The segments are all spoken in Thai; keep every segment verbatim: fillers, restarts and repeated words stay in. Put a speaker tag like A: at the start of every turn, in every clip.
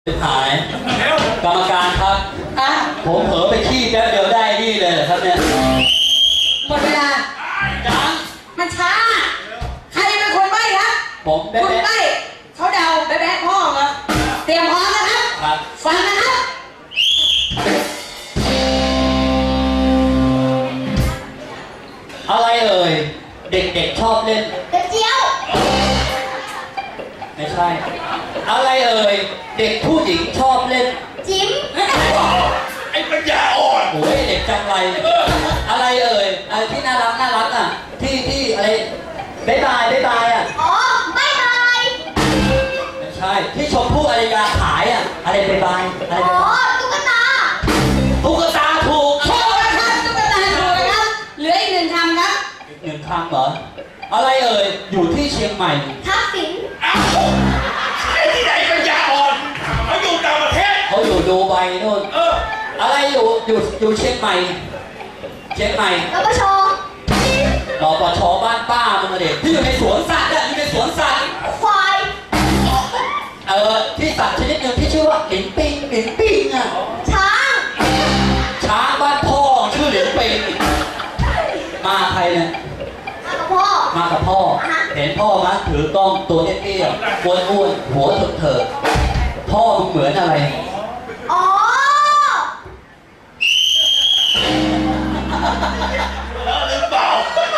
A: หายกรรมการครับอ่ะผมเผลอไปขี้แป๊บเดียวได้นี่เลยเหรอครับเนี่ย
B: หมดเวลา
A: จัง
B: มันช้าใครเป็นคนใบ้ครับ
A: ผมแบ๊ะ
B: คุณใบ้เขาเดาแบ๊ะแบ๊ะพ่อเหรอเตรียมพร้อมนะครับ
A: ครับ
B: ฟังนะครับ
A: อะไรเอ่ยเด็กๆชอบเล่น
B: กระเจียว
A: ไม่ใช่อะไรเอ่ยเด็กผู้หญิงชอบเล่น
B: จิ้ม
C: ไอ้ปัญญาอ่อน
A: โอ้ยเด็กจังไรอะไรเอ่ยอะไรที่น่ารักน่ารักอ่ะที่ที่อะไรบ๊ายบายบ๊ายบายอ่ะ
B: อ๋อบ๊ายบาย
A: ไม่ใช่ที่ชมพู่อารยาขายอ่ะอะไรบ๊ายบายอะไร
B: อ๋อตุ๊กตา
A: ตุ๊กตาถูก
B: ถูกนะครับตุ๊กตาถูกนะครับเหลืออีกหนึ่งคำครับ
A: อีกหนึ่งคำเหรออะไรเอ่ยอยู่ที่เชียงใหม่
B: ทักษิณ
C: อ้าวไอ้ที่ไหนปัญญาอ่อนเขาอยู่ต่างประเทศ
A: เขาอยู่ดูไบนู่น
C: เออ
A: อะไรอยู่อยู่อยู่เชียงใหม่เชียงใหม่
B: รปช
A: รปชบ้านป้ามึงเด็กที่อยู่ในสวนสัตว์อะอยู่ในสวนสัตว์
B: ควาย
A: เออที่สัตว์ชนิดหนึ่งที่ชื่อว่าหลินปิงหลินปิงอะ
B: ช้าง
A: ช้างบ้านพ่อชื่อหลินปิงมาใครเนี่ย
B: มากับพ่อ
A: มากับพ่อเห็นพ่อมั้ยถือกล้องตัวเตี้ยๆอ้วนๆหัวเถิดๆพ่อมึงเหมือนอะไร
B: อ๋อ
C: หรือเปล่า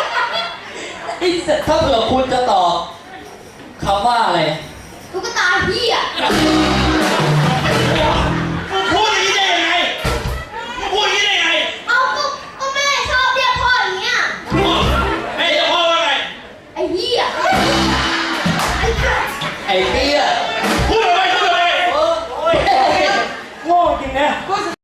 A: ถ้าเผื่อคุณจะตอบคำว่าอะไร
B: ตุ๊กตาพี่อ่ะ
C: พูดอย่างนี้ได้ยังไงพูดอย่างนี้ได้ยังไง
B: เอาก็ก็แม่ชอบเรียกพ่ออย่างเงี้ย
C: แม่จะพ่อว่าไง
B: ไอ้พี่อ่ะ
A: ไอ้เตี้ย
C: พูดอะไรพูดอะไร
A: โอ้ยโง่จริงนะ